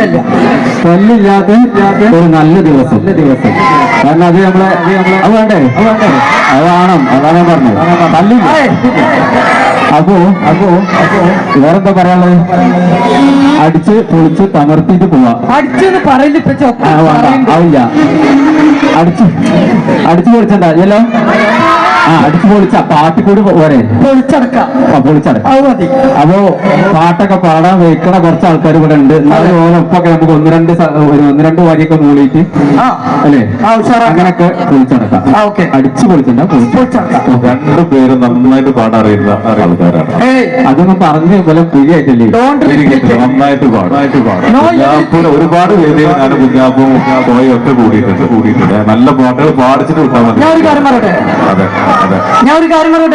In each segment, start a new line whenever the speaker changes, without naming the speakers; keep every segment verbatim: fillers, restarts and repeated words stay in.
ഇല്ലല്ല
തല്ലില്ലാത്ത ഒരു നല്ല ദിവസം ദിവസം കാരണം അത് നമ്മളെ അത് വേണ്ടേ അത് വേണ്ടേ അത് വേണം അതാണ് ഞാൻ പറഞ്ഞത് തല്ലില്ല. അപ്പോ അപ്പോ അപ്പോ വേറെന്താ പറയാനുള്ളത്? അടിച്ച് പൊളിച്ച് തമർത്തിട്ട് പോവാ.
അടിച്ചെന്ന് പറയില്ല
ആവില്ല. അടിച്ച് അടിച്ചു പൊളിച്ചണ്ട അല്ലോ. ആ അടിച്ചു പൊളിച്ച പാട്ടിക്കൂടി പോരെ
പൊളിച്ചടക്കാം
പൊളിച്ചടക്കാം
മതി.
അപ്പോ പാട്ടൊക്കെ പാടാൻ വെക്കണ കുറച്ച് ആൾക്കാർ ഇവിടെ ഉണ്ട്. എന്നാലും ഓരോപ്പൊക്കെ നമുക്ക് ഒന്ന് രണ്ട് ഒരു ഒന്ന് രണ്ട് വരിയൊക്കെ മൂളിയിട്ട് അല്ലേ അങ്ങനെയൊക്കെ പൊളിച്ചടക്കാം. അടിച്ചു പൊളിച്ചണ്ട
രണ്ടു പേരും നന്നായിട്ട് പാടാൻ അറിയുന്ന ആൾക്കാരാണ്.
അതൊന്നും പറഞ്ഞ് പോലെ പുലിയായിട്ടല്ലേ
നന്നായിട്ട് പാടായിട്ട് പാടാം. ഒരുപാട് വേദിയിൽ ഞാൻ കുഞ്ഞാപ്പും പോയും ഒക്കെ കൂടിയിട്ടുണ്ട് കൂടിയിട്ടുണ്ട് നല്ല പാട്ടുകൾ പാടിച്ചിട്ട് വിട്ടാൽ മതി. അതെ
ഞാൻ ഒരു കാര്യം പറയട്ടെ.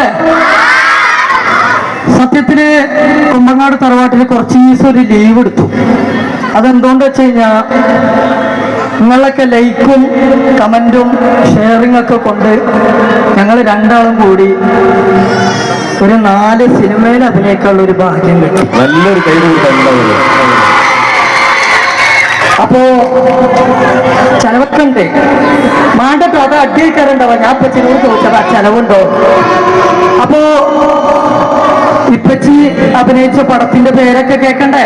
സത്യത്തില് കുമ്പങ്ങാട് തറവാട്ടില് കുറച്ച് ദിവസം ഒരു ലീവ് എടുത്തു. അതെന്തുകൊണ്ട് വെച്ച് കഴിഞ്ഞാ നിങ്ങളൊക്കെ ലൈക്കും കമന്റും ഷെയറിംഗ് ഒക്കെ കൊണ്ട് ഞങ്ങൾ രണ്ടാളും കൂടി ഒരു നാല് സിനിമയിൽ അഭിനയിക്കാനുള്ള ഒരു ഭാഗ്യം കിട്ടി.
നല്ലൊരു കൈ
അപ്പോ ചെലവൊക്കെ ഉണ്ട്. മാണ്ടട്ടോ അത് അടിയിക്കാറുണ്ടാവാ. ഞാൻ ഇപ്പച്ചിനോട് ചോദിച്ചത് ആ ചെലവുണ്ടോ. അപ്പോ ഇപ്പച്ചി അഭിനയിച്ച പടത്തിന്റെ പേരൊക്കെ കേക്കണ്ടേ?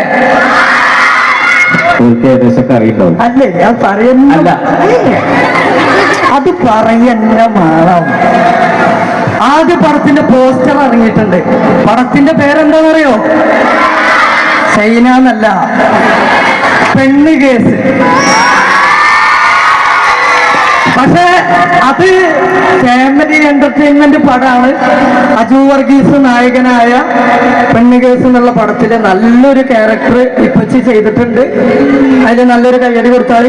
ഏകദേശമൊക്കെ അറിയണ്ടാവും
അല്ലേ? ഞാൻ പറയുന്നില്ല. അത് പറയുന്ന മാറാം. ആദ്യ പടത്തിന്റെ പോസ്റ്റർ ഇറങ്ങിയിട്ടുണ്ട്. പടത്തിന്റെ പേരെന്താണെന്നറിയോ? ചൈന എന്നല്ല, പെണ്ണ് കേസ്. പക്ഷെ അത് ഫാമിലി എന്റർടൈൻമെന്റ് പടമാണ്. അജു വർഗീസ് നായകനായ പെണ്ണ് കേസ് എന്നുള്ള പടത്തില് നല്ലൊരു ക്യാരക്ടർ ഇപ്പച്ചി ചെയ്തിട്ടുണ്ട്. അതിൽ നല്ലൊരു കയ്യടി കൊടുത്താൽ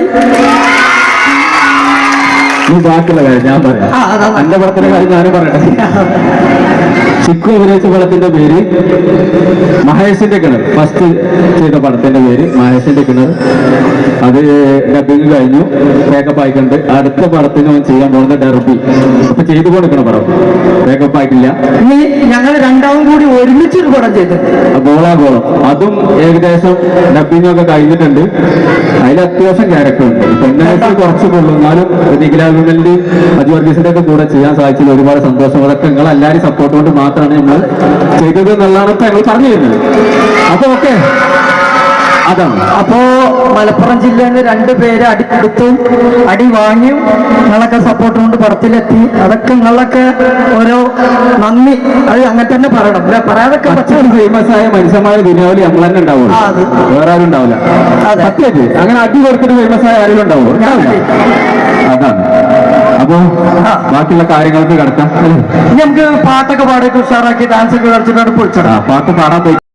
ഈ ബാക്കിയുള്ള കാര്യം ഞാൻ പറയാം. എന്റെ പടത്തിന്റെ കാര്യം ഞാനും പറയട്ടെ. ചിക്കു അഭിനയിച്ച പടത്തിന്റെ പേര് മഹേഷിന്റെ കിണർ. ഫസ്റ്റ് ചെയ്ത പടത്തിന്റെ പേര് മഹേഷിന്റെ കിണർ. അത് ഡബിങ് കഴിഞ്ഞു, മേക്കപ്പ് ആയിക്കൊണ്ട് അടുത്ത പടത്തിന് അവൻ ചെയ്യാൻ പോകുന്ന ഡെർബി. അപ്പൊ ചെയ്തു കൊടുക്കണം പടം. മേക്കപ്പ് ആയിട്ടില്ല.
ഇനി ഞങ്ങൾ രണ്ടാവും കൂടി ഒരുമിച്ചൊരു പടം ചെയ്തു
ഗോളാഗോളം. അതും ഏകദേശം ഡബിങ് ഒക്കെ കഴിഞ്ഞിട്ടുണ്ട്. അതിൽ അത്യാവശ്യം ക്യാരക്ടർ ഉണ്ട്. പെണ്ണേഴ്സ് കുറച്ച് കൊള്ളും. എന്നാലും നിഖിലാഭിമലിന്റെ അജു വർഗീസിന്റെ ഒക്കെ കൂടെ ചെയ്യാൻ സാധിച്ചത് ഒരുപാട് സന്തോഷം. അതൊക്കെ നിങ്ങൾ എല്ലാവരും സപ്പോർട്ട് കൊണ്ട് മാത്രമാണ് നമ്മൾ ചെയ്തത് എന്നുള്ളതാണ് ഇപ്പൊ ഞങ്ങൾ പറഞ്ഞു തരുന്നത്. അപ്പൊ ഓക്കെ, അതാണ്.
അപ്പോ മലപ്പുറം ജില്ലയിൽ നിന്ന് രണ്ടുപേര് അടി കൊടുത്തു, അടി വാങ്ങിയും നിങ്ങളൊക്കെ സപ്പോർട്ട് കൊണ്ട് പടത്തിലെത്തി. അതൊക്കെ നിങ്ങളൊക്കെ ഓരോ നന്ദി. അത് അങ്ങനെ തന്നെ പറയണം അല്ലെ? പറയാതൊക്കെ
ഫേമസ് ആയ മനുഷ്യന്മാരെ ദുനിയാവില് നമ്മൾ തന്നെ ഉണ്ടാവുള്ളൂ, വേറെ ആരും ഉണ്ടാവില്ല. സത്യമായിട്ട് അങ്ങനെ അടി കൊടുത്തിട്ട് ഫേമസ് ആയ ആരെങ്കിലും ഉണ്ടാവുമോ? അതാണ്. അപ്പൊ ബാക്കിയുള്ള കാര്യങ്ങൾക്ക് കിടക്കാം.
നമുക്ക് പാട്ടൊക്കെ പാടി ഉഷാറാക്കി ഡാൻസ് ഒക്കെ കളിച്ചിട്ട് പൊളിച്ചടാ.
പാട്ട് പാടാൻ പോയി